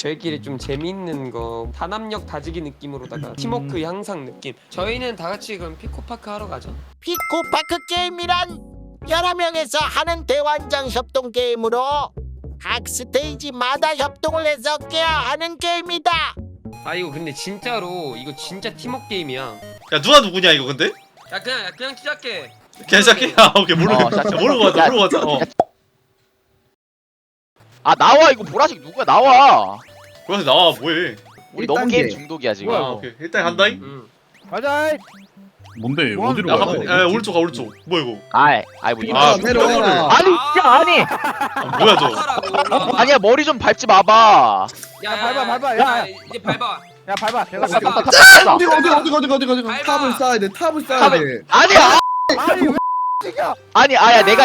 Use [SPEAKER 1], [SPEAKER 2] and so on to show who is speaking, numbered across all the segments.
[SPEAKER 1] 저희끼리 좀 재미있는 거 단합력 다지기 느낌으로다가 팀워크 향상 느낌. 저희는 다 같이 그럼 피코파크 하러 가죠.
[SPEAKER 2] 피코파크 게임이란 여러 명에서 하는 대환장 협동 게임으로 각 스테이지마다 협동을 해서 깨야 하는 게임이다.
[SPEAKER 1] 아 이거 근데 진짜로 이거 진짜 팀워크 게임이야.
[SPEAKER 3] 야 누가 누구냐 이거 근데?
[SPEAKER 1] 야 그냥 시작해.
[SPEAKER 3] 괜찮게? 아 오케이 모르고 가자 모르고 가자.
[SPEAKER 4] 아 나와 이거 보라색 누구야 나와.
[SPEAKER 3] 그래서 나와 뭐해?
[SPEAKER 4] 우리 너무 게임 중독이야 지금.
[SPEAKER 3] 아 오케이 일단 간다잉.
[SPEAKER 5] 가자.
[SPEAKER 6] 뭔데
[SPEAKER 5] 뭐
[SPEAKER 6] 어디로
[SPEAKER 3] 야
[SPEAKER 6] 가?
[SPEAKER 3] 가면 야 오른쪽 가 오른쪽. 뭐야 이거?
[SPEAKER 4] 아이 뭐 이런.
[SPEAKER 3] 아
[SPEAKER 6] 내려와.
[SPEAKER 4] 아니 야 아니.
[SPEAKER 3] 아, 뭐야 저?
[SPEAKER 4] 아니야 머리 좀 밟지 마봐.
[SPEAKER 1] 야
[SPEAKER 5] 밟아.
[SPEAKER 1] 야 이제 밟아.
[SPEAKER 5] 야 밟아. 걔가
[SPEAKER 4] 밟아,
[SPEAKER 5] 밟아.
[SPEAKER 4] 밟아.
[SPEAKER 6] 어디
[SPEAKER 1] 밟아.
[SPEAKER 7] 탑을 쌓아야 돼. 탑을 쌓아야
[SPEAKER 4] 탑을-
[SPEAKER 7] 돼.
[SPEAKER 4] 아니야
[SPEAKER 5] 아니 왜 X야?
[SPEAKER 4] 아니 아야 내가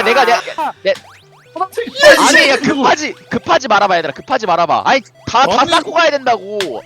[SPEAKER 4] 아니 야 급하지 말아봐 얘들아 급하지 말아봐. 아니 다 쌓고 가야 된다고.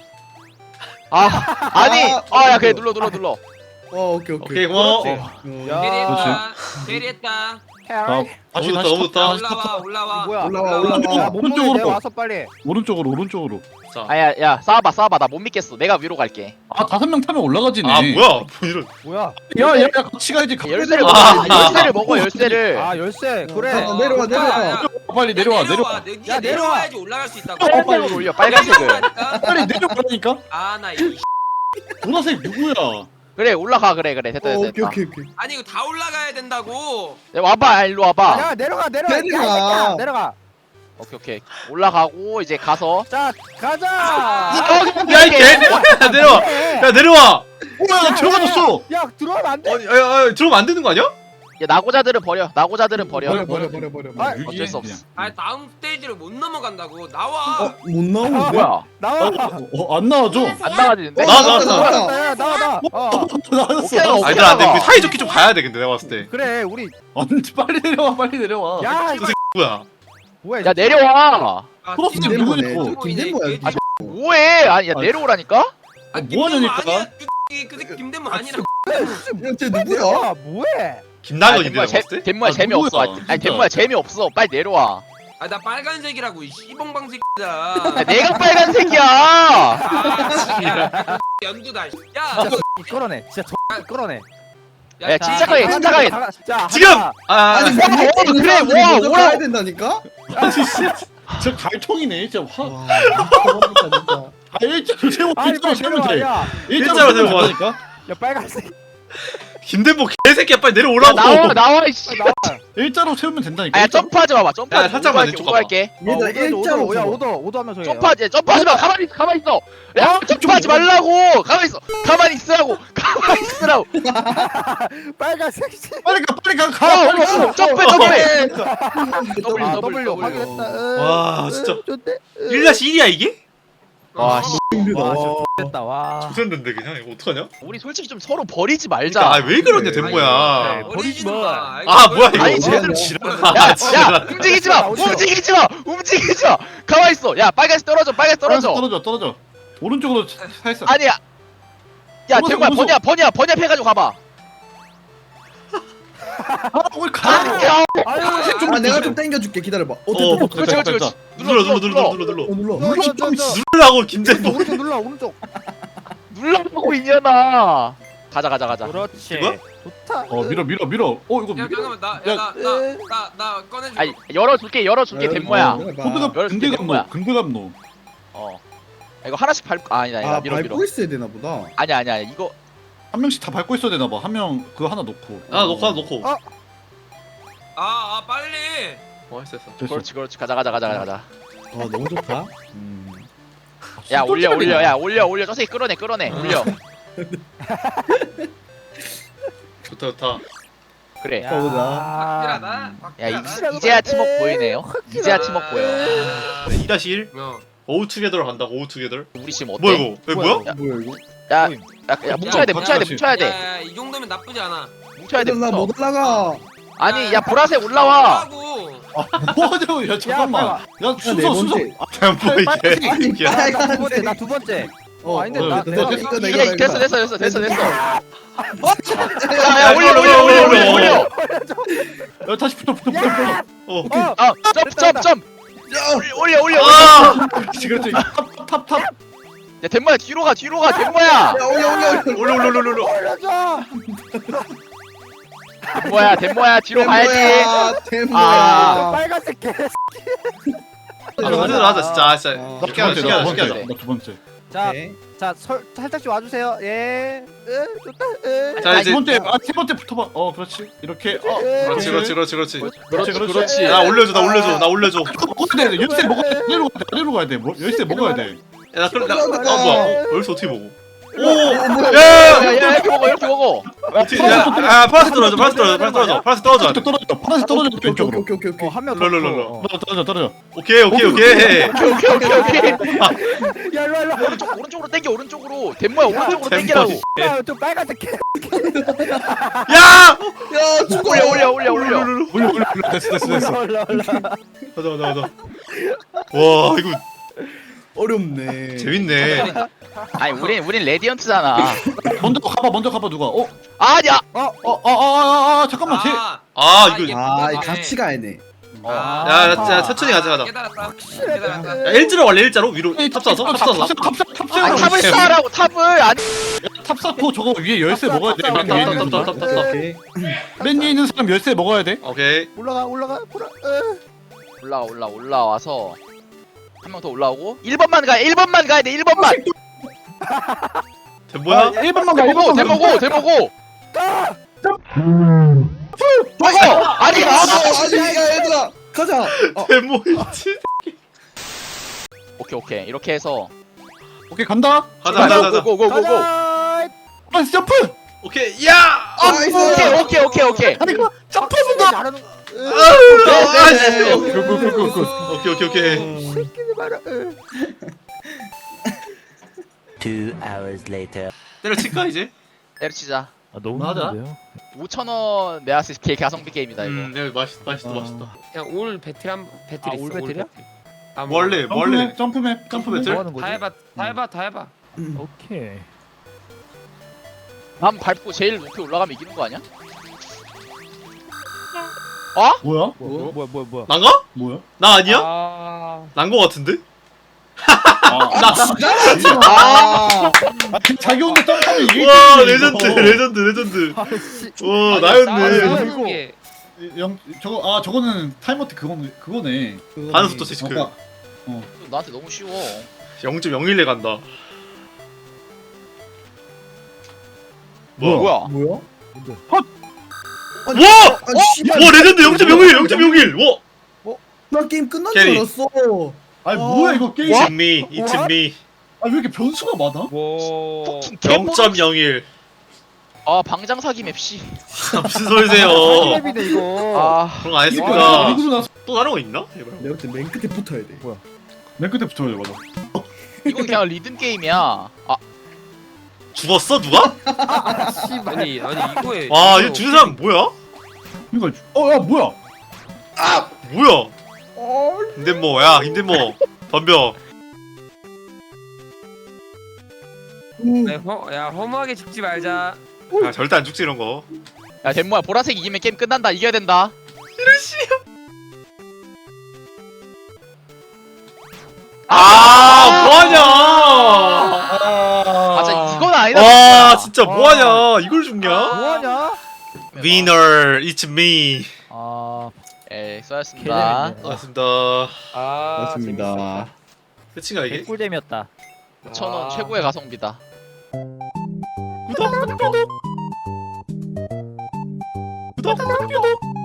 [SPEAKER 4] 아니 야 그래 눌러.
[SPEAKER 7] 오케이.
[SPEAKER 3] 오케이 고마워.
[SPEAKER 1] 대리했다. 대리했다.
[SPEAKER 6] 다시
[SPEAKER 3] 너무 좋다.
[SPEAKER 1] 올라와.
[SPEAKER 5] 뭐야?
[SPEAKER 7] 올라와.
[SPEAKER 5] 야 몸무게
[SPEAKER 6] 오른쪽으로
[SPEAKER 5] 내 와서 빨리.
[SPEAKER 6] 오른쪽으로.
[SPEAKER 3] 자.
[SPEAKER 4] 야 싸워봐 나 못 믿겠어. 내가 위로 갈게.
[SPEAKER 6] 아 5명 타면 올라가지네.
[SPEAKER 3] 아 뭐야? 뭐 이런.
[SPEAKER 5] 뭐야?
[SPEAKER 6] 야야 같이 가야지.
[SPEAKER 4] 열쇠를 먹어. 열쇠를 먹어 열쇠를.
[SPEAKER 5] 아 열쇠. 그래.
[SPEAKER 7] 내려와.
[SPEAKER 6] 빨리 내려와.
[SPEAKER 1] 야 내려와야지 올라갈 수 있다고.
[SPEAKER 4] 빨간색을 올려 빨간색을.
[SPEAKER 6] 빨리 내려가라니까.
[SPEAKER 1] 아나 이.
[SPEAKER 6] 보라색 누구야?
[SPEAKER 4] 그래 올라가 그래 됐다.
[SPEAKER 7] 오케이.
[SPEAKER 1] 아니 이거 다 올라가야 된다고.
[SPEAKER 4] 야, 와봐 일로 와봐.
[SPEAKER 5] 야 내려가.
[SPEAKER 7] 내려가.
[SPEAKER 5] 야, 내려가.
[SPEAKER 4] 오케이 올라가고 이제 가서.
[SPEAKER 5] 자 가자.
[SPEAKER 3] 야이 개. 야 내려와. 야 내려와.
[SPEAKER 6] 야 들어가졌어.
[SPEAKER 5] 야 들어가면 안 돼.
[SPEAKER 3] 야 들어오면 안 되는 거 아니야?
[SPEAKER 4] 야 나고자들은 버려. 버려.
[SPEAKER 7] 버려.
[SPEAKER 5] 아,
[SPEAKER 4] 어쩔 수 없어.
[SPEAKER 1] 아 다음 스테이지를 못 넘어간다고. 나와.
[SPEAKER 7] 못 나오는데?
[SPEAKER 4] 뭐야?
[SPEAKER 5] 나와.
[SPEAKER 6] 안 나와줘.
[SPEAKER 4] 안 나가지는데?
[SPEAKER 3] 나왔어.
[SPEAKER 5] 야, 나와.
[SPEAKER 4] 오케이,
[SPEAKER 3] 아 얘들아 근데 우리 사이좋게 좀 가야 돼 근데 내가 봤을 때.
[SPEAKER 5] 그래 우리.
[SPEAKER 6] 빨리 내려와.
[SPEAKER 5] 야
[SPEAKER 3] 뭐야?
[SPEAKER 5] 뭐야?
[SPEAKER 4] 야 내려와.
[SPEAKER 6] 프로스 누구냐고.
[SPEAKER 7] 김대모야.
[SPEAKER 4] 뭐해? 아니 야 내려오라니까?
[SPEAKER 6] 뭐 하냐니까?
[SPEAKER 1] 그 새끼 김대모 아니라.
[SPEAKER 7] 쟤 누구야?
[SPEAKER 5] 야 뭐해?
[SPEAKER 3] 김나건인데 내가 봤을 때?
[SPEAKER 4] 덴모야
[SPEAKER 6] 아,
[SPEAKER 4] 재미없어.
[SPEAKER 6] 누구야,
[SPEAKER 4] 아니
[SPEAKER 6] 진짜.
[SPEAKER 4] 덴모야 재미없어. 빨리 내려와.
[SPEAKER 1] 아 나 빨간색이라고 이 씨봉방 새끼야.
[SPEAKER 4] 야, 내가 빨간색이야.
[SPEAKER 1] 아, 연두다. 야.
[SPEAKER 5] 끌어내. 진짜 끌어내.
[SPEAKER 4] 야 침착하게.
[SPEAKER 5] 자
[SPEAKER 3] 지금!
[SPEAKER 5] 하나.
[SPEAKER 7] 아니
[SPEAKER 4] 그래,
[SPEAKER 7] 먼저
[SPEAKER 4] 오라.
[SPEAKER 7] 가야 된다니까?
[SPEAKER 6] 저 갈통이네 진짜.
[SPEAKER 7] 와 미쳐버리겠다 진짜.
[SPEAKER 6] 일자로 세워.
[SPEAKER 5] 아니 빨리
[SPEAKER 6] 세우면
[SPEAKER 5] 내려와.
[SPEAKER 6] 돼.
[SPEAKER 5] 야
[SPEAKER 3] 일자로 세워.
[SPEAKER 6] 된다니까?
[SPEAKER 5] 야 빨간색.
[SPEAKER 3] 김대모 개새끼야 빨리
[SPEAKER 4] 야,
[SPEAKER 3] 내려오라고.
[SPEAKER 4] 나와 이씨.
[SPEAKER 6] 일자로 세우면 된다니까.
[SPEAKER 4] 아야 점프하지 마봐. 점프하지.
[SPEAKER 3] 야, 살짝만 왼쪽 가봐.
[SPEAKER 4] 할게.
[SPEAKER 7] 얘들아 일자로
[SPEAKER 5] 야
[SPEAKER 7] 서봐.
[SPEAKER 5] 오도 하면서 해.
[SPEAKER 4] 점프하지 마. 가만히 있어. 야 점프하지 말라고. 가만히 있으라고.
[SPEAKER 5] 빨간색.
[SPEAKER 6] 빨리 가.
[SPEAKER 4] 점프.
[SPEAKER 5] W 확인했다.
[SPEAKER 3] 와 진짜
[SPEAKER 5] 좋대.
[SPEAKER 3] 1-1이야 이게?
[SPEAKER 4] 와 씨.
[SPEAKER 5] 와 됐다. 와.
[SPEAKER 3] 부산된데 그냥 이거 어떡하냐?
[SPEAKER 4] 우리 솔직히 좀 서로 버리지 말자.
[SPEAKER 3] 그러니까 왜 그러냐
[SPEAKER 7] 그래.
[SPEAKER 3] 덴모야.
[SPEAKER 1] 버리지 마.
[SPEAKER 3] 아 뭐야 이거?
[SPEAKER 4] 아니, 제대로
[SPEAKER 3] 아
[SPEAKER 4] 야,
[SPEAKER 3] 지랄.
[SPEAKER 4] 움직이지 마. 가만히 있어. 야, 빨간색 떨어져.
[SPEAKER 6] 떨어져. 오른쪽으로 살살.
[SPEAKER 4] 아니야. 야,
[SPEAKER 6] 무서워,
[SPEAKER 4] 대구야,
[SPEAKER 6] 무서워.
[SPEAKER 4] 번야 해가지고 가봐.
[SPEAKER 6] 우리 가.
[SPEAKER 7] 아 내가 좀 당겨줄게 기다려봐.
[SPEAKER 3] 어,
[SPEAKER 4] 그렇지.
[SPEAKER 3] 눌러.
[SPEAKER 7] 눌러.
[SPEAKER 3] 누르라고 김대모.
[SPEAKER 5] 오른쪽 눌러 오른쪽.
[SPEAKER 4] 눌러보고 이년아. 가자.
[SPEAKER 5] 그렇지.
[SPEAKER 3] 이거야?
[SPEAKER 5] 좋다.
[SPEAKER 6] 밀어. 이거
[SPEAKER 1] 야
[SPEAKER 6] 밀어.
[SPEAKER 1] 잠깐만 나 꺼내줘.
[SPEAKER 4] 아니, 열어줄게, 덴모야.
[SPEAKER 6] 근대감노. 근대감노.
[SPEAKER 4] 어. 이거 하나씩 밟고, 아니다,
[SPEAKER 7] 아
[SPEAKER 4] 밀어.
[SPEAKER 7] 밟고 있어야 되나 보다.
[SPEAKER 4] 아니야, 이거.
[SPEAKER 6] 한 명씩 다 밟고 있어야 되나 봐. 한 명 그거 하나 놓고.
[SPEAKER 3] 하나 놓고.
[SPEAKER 1] 빨리.
[SPEAKER 3] 했어.
[SPEAKER 4] 그렇지. 가자.
[SPEAKER 7] 아 너무 좋다.
[SPEAKER 4] 야, 올려. 저 새끼 끌어내. 올려.
[SPEAKER 3] 좋다.
[SPEAKER 4] 그래.
[SPEAKER 1] 확실하다.
[SPEAKER 4] 야, 이제야 팀워크 보이네요. 이제야 팀워크 보여.
[SPEAKER 3] 2-1
[SPEAKER 1] 어.
[SPEAKER 3] 오우 투게더로 간다고 오우 투게더.
[SPEAKER 4] 우리 지금 어때?
[SPEAKER 3] 뭐야 이거? 왜 뭐야?
[SPEAKER 7] 뭐야 이거?
[SPEAKER 4] 야, 뭉쳐야 돼.
[SPEAKER 1] 이 정도면 나쁘지 않아.
[SPEAKER 4] 뭉쳐야 돼.
[SPEAKER 7] 나못 올라가.
[SPEAKER 4] 아니, 야, 보라색 올라와.
[SPEAKER 6] 뭐하자고? 야 잠깐만. 야
[SPEAKER 7] 네
[SPEAKER 6] 순서.
[SPEAKER 7] 번째.
[SPEAKER 3] 뭐 이게?
[SPEAKER 5] 나 두 번째. 아닌데 나
[SPEAKER 7] 됐어.
[SPEAKER 4] 됐어. 야, 올려.
[SPEAKER 6] 야 다시 붙어.
[SPEAKER 4] 점. 올려.
[SPEAKER 3] 아!
[SPEAKER 6] 그렇지. 탑.
[SPEAKER 4] 야 덴모야 뒤로 가 덴모야.
[SPEAKER 7] 야 올려.
[SPEAKER 3] 올려.
[SPEAKER 5] 올려줘.
[SPEAKER 4] 덴모야 뒤로 가야지.
[SPEAKER 7] 템모야.
[SPEAKER 5] 빨간색 개.
[SPEAKER 3] 하자 진짜 진짜
[SPEAKER 6] 나
[SPEAKER 3] 쉽게 하자 쉽게 하자.
[SPEAKER 6] 나 두 번째.
[SPEAKER 5] 자,
[SPEAKER 7] 오케이.
[SPEAKER 5] 살짝 좀 와주세요. 예. 좋다.
[SPEAKER 3] 자
[SPEAKER 6] 아,
[SPEAKER 3] 이제
[SPEAKER 6] 두 번째. 세 번째 붙어봐. 그렇지. 이렇게.
[SPEAKER 3] 그렇지. 나 올려줘.
[SPEAKER 6] 먹어야 돼. 열쇠 먹어야 돼. 아래로 가야 돼. 열쇠 먹어야 돼.
[SPEAKER 3] 야 그럼 나 뭐야? 여기서 어떻게 먹어? 오! 야!
[SPEAKER 4] 야야 이렇게 먹어.
[SPEAKER 3] 어떻게 야 파란색 떨어져. 파란색 떨어져.
[SPEAKER 6] 파란색 떨어져. 왼쪽으로.
[SPEAKER 7] 오케이.
[SPEAKER 5] 한명
[SPEAKER 3] 롤롤롤.
[SPEAKER 6] 떨어져.
[SPEAKER 3] 오케이.
[SPEAKER 4] 오케이.
[SPEAKER 5] 야 일로.
[SPEAKER 4] 오른쪽으로 당겨 오른쪽으로. 덴모야 오른쪽으로
[SPEAKER 3] 덴모.
[SPEAKER 4] 당기라고.
[SPEAKER 5] 좀 빨간색 개.
[SPEAKER 3] 야!
[SPEAKER 7] 야 죽어.
[SPEAKER 4] 올려.
[SPEAKER 6] 됐어.
[SPEAKER 5] 올라.
[SPEAKER 3] 가자. 와 이거
[SPEAKER 7] 어렵네.
[SPEAKER 3] 재밌네.
[SPEAKER 4] 아니 우린 레디언트잖아.
[SPEAKER 6] 먼저 가봐 누가.
[SPEAKER 4] 아니야.
[SPEAKER 6] 잠깐만.
[SPEAKER 3] 아 이거
[SPEAKER 7] 이 같이 가야 돼.
[SPEAKER 3] 야 천천히 가자.
[SPEAKER 1] 깨달았다.
[SPEAKER 3] 야 일자로 원래 일자로 위로 탑 쏴서.
[SPEAKER 4] 아니, 탑을 쌓으라고 탑을. 아니
[SPEAKER 6] 탑 쌓고 저거 위에 열쇠 먹어야 돼. 맨 위에 있는 사람.
[SPEAKER 7] 오케이.
[SPEAKER 6] 맨 위에 있는 사람 열쇠 먹어야 돼.
[SPEAKER 3] 오케이.
[SPEAKER 4] 올라와서 한 명 더 올라오고 1번만 가야 돼 1번만.
[SPEAKER 3] 뭐야?
[SPEAKER 6] 1번만 가.
[SPEAKER 4] 대보고. 아니
[SPEAKER 7] 야 얘들아 가자.
[SPEAKER 3] 데모 있지.
[SPEAKER 4] 오케이 이렇게 해서
[SPEAKER 6] 오케이 간다.
[SPEAKER 3] 가자.
[SPEAKER 4] 고고고고.
[SPEAKER 6] 파란색 점프.
[SPEAKER 3] 오케이. 야!
[SPEAKER 4] 오케이.
[SPEAKER 6] 아니 그 점프.
[SPEAKER 5] 잘하는.
[SPEAKER 3] 오케이. 때려칠까 이제?
[SPEAKER 4] 때려치자.
[SPEAKER 5] 너무
[SPEAKER 6] 맞아.
[SPEAKER 5] 힘든데요?
[SPEAKER 4] 5,000원 메아스 가성비 게임이다 이거.
[SPEAKER 3] 야 맛있다.
[SPEAKER 1] 그냥 올 배틀
[SPEAKER 5] 아,
[SPEAKER 1] 있어.
[SPEAKER 5] 올 배틀이야?
[SPEAKER 3] 원래
[SPEAKER 6] 점프맵.
[SPEAKER 3] 배틀?
[SPEAKER 5] 뭐 하는 거지?
[SPEAKER 1] 다 해봐.
[SPEAKER 5] 오케이.
[SPEAKER 4] 한 밟고 제일 높이 올라가면 이기는 거 아니야?
[SPEAKER 6] 뭐야?
[SPEAKER 5] 뭐야?
[SPEAKER 3] 난가?
[SPEAKER 6] 뭐야?
[SPEAKER 3] 나 아니야? 난 거 같은데?
[SPEAKER 6] 자기 혼자 점프하면 이게.
[SPEAKER 3] 와 레전드. 와 나였네.
[SPEAKER 6] 저거는 타이머트 그거네.
[SPEAKER 3] 반응 속도 체크.
[SPEAKER 4] 나한테 너무 쉬워.
[SPEAKER 3] 0.01에 간다. 뭐야?
[SPEAKER 7] 뭐야?
[SPEAKER 3] 와!
[SPEAKER 7] 씨발.
[SPEAKER 3] 와 레전드 0.01. 와!
[SPEAKER 7] 나 게임 끝난 줄
[SPEAKER 3] 캐리.
[SPEAKER 7] 알았어.
[SPEAKER 6] 아니 뭐야 이거 게임.
[SPEAKER 3] It's me.
[SPEAKER 6] 아 왜 이렇게 변수가 많아?
[SPEAKER 1] 와.
[SPEAKER 4] fucking 개모.
[SPEAKER 3] 0.01.
[SPEAKER 4] 아 방장 사기 맵 씨.
[SPEAKER 3] 무슨 소리세요?
[SPEAKER 5] 맵이네 이거.
[SPEAKER 4] 아
[SPEAKER 3] 그런 거 안 했습니다.
[SPEAKER 6] 이거 나서
[SPEAKER 3] 또 다른 거 있나? 제발.
[SPEAKER 7] 내가 볼때 맨 끝에 붙어야 돼.
[SPEAKER 6] 맨 끝에 붙여야 맞아.
[SPEAKER 4] 이건 그냥 리듬 게임이야. 아
[SPEAKER 3] 죽었어 누가?
[SPEAKER 1] 아니 이거에.
[SPEAKER 3] 와 이거 죽은 사람 뭐야?
[SPEAKER 6] 이거 야 뭐야?
[SPEAKER 3] 뭐야? 힘든 덤벼.
[SPEAKER 1] 야 허무하게 죽지 말자.
[SPEAKER 3] 아 절대 안 죽지 이런 거.
[SPEAKER 4] 야 덴모야 보라색 이기면 게임 끝난다. 이겨야 된다.
[SPEAKER 3] 뭐하냐?
[SPEAKER 4] 맞아 이건 아니다.
[SPEAKER 3] 와 진짜 뭐하냐? 이걸 죽냐?
[SPEAKER 5] 뭐하냐?
[SPEAKER 3] Winner, it's me.
[SPEAKER 5] 아,
[SPEAKER 4] 에 수고하셨습니다.
[SPEAKER 5] 개재밌네.
[SPEAKER 3] 고맙습니다.
[SPEAKER 7] 맞습니다.
[SPEAKER 3] 끝인가 이게?
[SPEAKER 5] 개꿀잼이었다.
[SPEAKER 4] 5,000원 최고의 가성비다.
[SPEAKER 3] 구독.